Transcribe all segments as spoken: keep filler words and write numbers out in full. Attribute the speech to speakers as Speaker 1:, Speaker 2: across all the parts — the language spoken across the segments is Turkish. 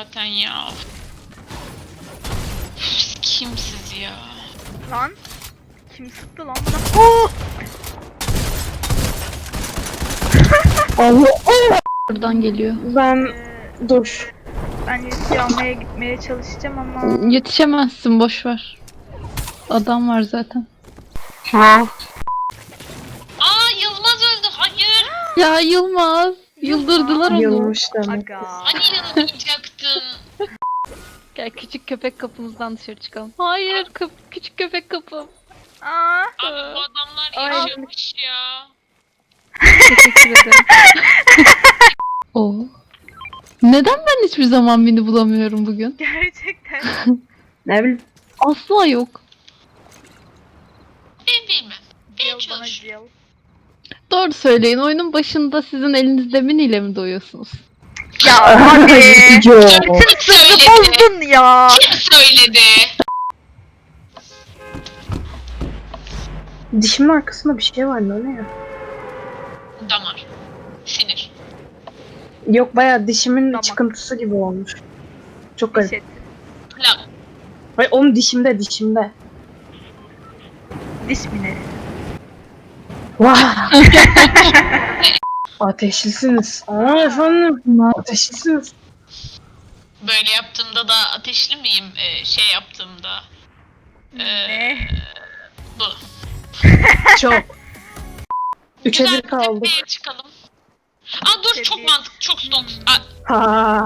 Speaker 1: zaten ya. Üf, kimsiz ya?
Speaker 2: Lan. Kim sıktı lan bana? Oo!
Speaker 3: Allah Allah. Buradan geliyor.
Speaker 4: Ben
Speaker 2: Ee,
Speaker 4: dur.
Speaker 2: ben Yusuf'u almaya gitmeye çalışacağım ama...
Speaker 3: Yetişemezsin, boş ver. Adam var zaten.
Speaker 4: Ha.
Speaker 1: Aa Yılmaz öldü. Hayır.
Speaker 3: Ya Yılmaz. Yıldırdılar onu.
Speaker 4: Yılmış demek.
Speaker 2: Aga.
Speaker 1: Hani yanılmayacaktın.
Speaker 3: Gel küçük köpek kapımızdan dışarı çıkalım. Hayır, kap küçük köpek kapım.
Speaker 2: Aa.
Speaker 1: Abi bu adamlar
Speaker 2: Ay.
Speaker 1: yaşamış ya.
Speaker 3: Teşekkür ederim. Oo. Neden ben hiçbir zaman beni bulamıyorum bugün?
Speaker 2: Gerçekten.
Speaker 4: Ne bileyim.
Speaker 3: Asla yok.
Speaker 1: Ben bilmem. Ben
Speaker 2: Cıl bana
Speaker 1: çalışıyorum.
Speaker 2: cıl.
Speaker 3: Doğru söyleyin. Oyunun başında sizin elinizde miniyle mi doyuyorsunuz?
Speaker 2: Ya hadi.
Speaker 4: Yo.
Speaker 2: Bütün sırrı bozdun ya.
Speaker 1: Kim söyledi?
Speaker 4: Dişimin arkasında bir şey var ne o ne ya?
Speaker 1: Damar. Sinir.
Speaker 4: Yok bayağı dişimin
Speaker 2: Tamam.
Speaker 4: çıkıntısı gibi olmuş. Çok
Speaker 2: Diş
Speaker 4: garip.
Speaker 2: et.
Speaker 1: Lan.
Speaker 4: Hayır oğlum dişimde dişimde.
Speaker 2: Diş mineri.
Speaker 4: Vah. Ateşlisiniz. Aa efendim. Ateşlisiniz.
Speaker 1: Böyle yaptığımda da ateşli miyim? Ee, şey yaptığımda. Ee,
Speaker 2: Ne?
Speaker 1: Bu.
Speaker 4: Çok. Üçe
Speaker 1: Güzel
Speaker 4: bir kaldık.
Speaker 1: tepeye çıkalım. Aa dur çok
Speaker 2: Tepeye.
Speaker 1: mantıklı, çok stok. Aa,
Speaker 4: Ha.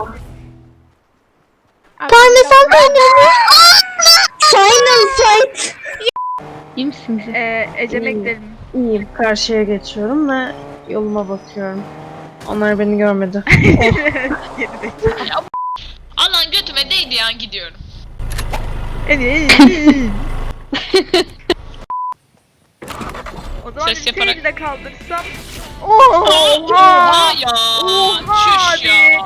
Speaker 3: Parmesan kaynamıyor. Final fight. İyi misiniz?
Speaker 2: Ee, Ecem'e
Speaker 4: İyi.
Speaker 2: gidelim.
Speaker 4: İyiyim. Karşıya geçiyorum ve yoluma bakıyorum. Onlar beni görmedi.
Speaker 2: Gerizekalı.
Speaker 1: Alan götüme değdi ya gidiyorum.
Speaker 2: O zaman
Speaker 1: Ses
Speaker 2: ülkeyi
Speaker 1: yaparak.
Speaker 2: de kaldırsam. Oha!
Speaker 1: Oha ya.
Speaker 2: Oha
Speaker 1: Çüş ya.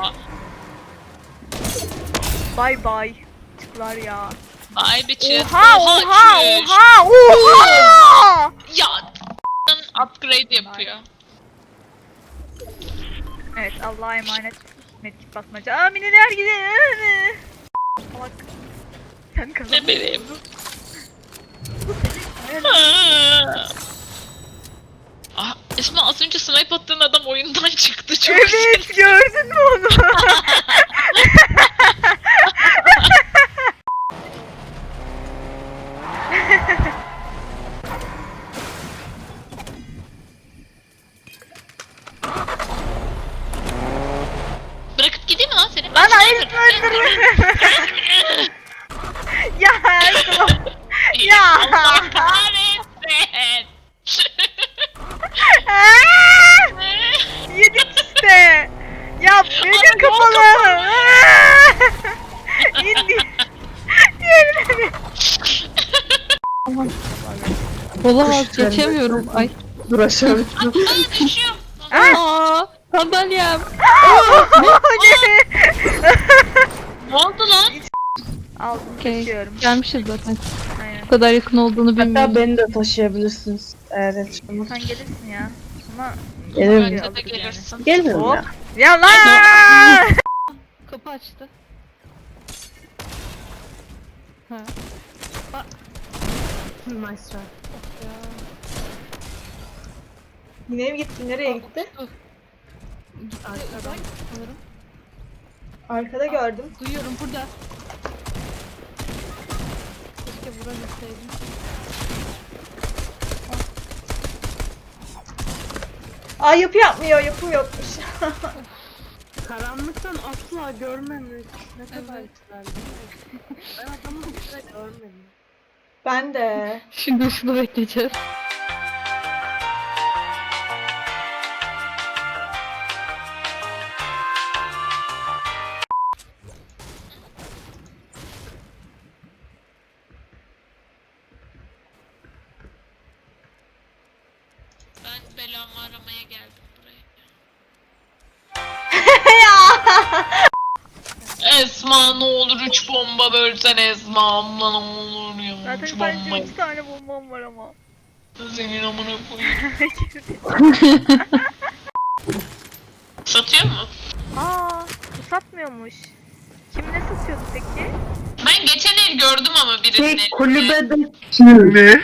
Speaker 2: Bay bay. Çıklar ya.
Speaker 1: Bye bitches.
Speaker 2: Oha oha
Speaker 1: çüş.
Speaker 2: oha oha!
Speaker 1: Ya upgrade yapıyor.
Speaker 2: Evet Allah'a emanet. Medkit basmaca. Aa miniler gidiyor. Salak. Sen
Speaker 1: Ne
Speaker 2: kazandın.
Speaker 1: bileyim.
Speaker 2: Evet.
Speaker 1: Ah, Esma az önce snipe attığın adam oyundan çıktı çok
Speaker 2: Evet gördün mü onu?
Speaker 1: Bırakıp gideyim mi lan seni?
Speaker 2: Lan hayır öldürme. Ya Ertuğrul. Ya.
Speaker 1: Allah kahretsin.
Speaker 2: Aa! Yedik işte. Ya benim kapalı. İndi. Yerine.
Speaker 3: Olamaz, geçemiyorum. Ay.
Speaker 4: Dur aşağı.
Speaker 1: Aa düşüyorum.
Speaker 3: Aa, sandalyem.
Speaker 1: Ne oldu lan?
Speaker 2: Aldım
Speaker 3: Okey.
Speaker 2: taşıyorum.
Speaker 3: Gelmişiz zaten.
Speaker 2: Aynen.
Speaker 3: Bu kadar yakın olduğunu
Speaker 4: Hatta
Speaker 3: bilmiyorum.
Speaker 4: beni de taşıyabilirsiniz. Eğer yetişemez.
Speaker 2: Sen gelirsin ya. Ama
Speaker 4: Gelirim
Speaker 2: Bence
Speaker 4: ya.
Speaker 1: Bence de gelirsin.
Speaker 4: Gelirim
Speaker 2: Hop.
Speaker 4: ya.
Speaker 2: ya lan.
Speaker 3: Kapı açtı. Ha.
Speaker 4: Nice try.
Speaker 5: Yine mi gitti? Nereye gitti?
Speaker 3: Arkadan sanırım.
Speaker 5: Arkada gördüm.
Speaker 3: Duyuyorum burada. Keşke vurabilseydim.
Speaker 5: Aa yapı yapmıyor, yapım yokmuş.
Speaker 4: Karanlıktan asla görmemek ne kadar
Speaker 3: Evet.
Speaker 4: güzel değil mi? Ben adamı hiç de görmedim.
Speaker 5: Ben de.
Speaker 3: Şimdi ışını bekleyeceğiz.
Speaker 1: Ben belamı aramaya geldim buraya. Esma ne olur üç bomba bölsen Esma abla ne olur ya.
Speaker 2: Zaten
Speaker 1: Üç
Speaker 2: sadece
Speaker 1: bomba.
Speaker 2: üç tane bombam var ama.
Speaker 1: Senin amına koyayım. Satıyor mu?
Speaker 2: Aa, bu satmıyormuş. Kim ne satıyordu peki?
Speaker 1: Ben geçen el gördüm ama birisini.
Speaker 4: Şey kulübede
Speaker 6: Ne?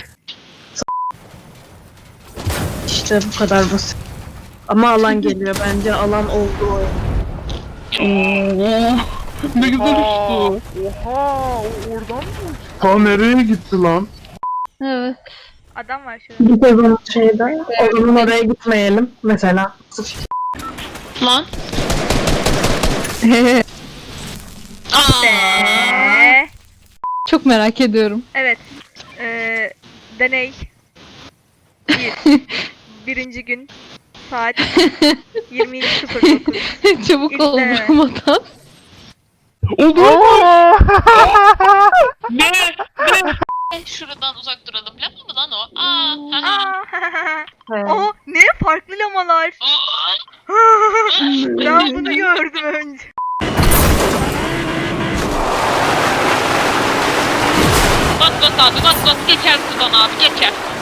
Speaker 4: işte bu kadar basit. Ama alan geliyor bence alan oldu oyun.
Speaker 6: Oo, ne güzel uçtu.
Speaker 7: Oha, o oradan mı?
Speaker 6: Ta nereye gitti lan?
Speaker 3: Evet.
Speaker 2: Adam var şurada.
Speaker 4: Bir sezon şeyde o zaman oraya gitmeyelim mesela.
Speaker 1: Lan. Aa.
Speaker 2: Eee,
Speaker 3: Çok merak ediyorum.
Speaker 2: evet. Ee, deney. Bir. Birinci gün. Saat yirmi iki sıfır dokuz.
Speaker 3: Çabuk ol
Speaker 2: İzle.
Speaker 3: vurmadan.
Speaker 1: Ne? Ne? Şuradan uzak duralım. Lama mı lan o? Aa. Haha.
Speaker 2: Aa, o ne farklı lamalar.
Speaker 1: Oo.
Speaker 2: Ben bunu gördüm önce.
Speaker 1: Bas bas abi bas bas. Geçer sudan abi geçer.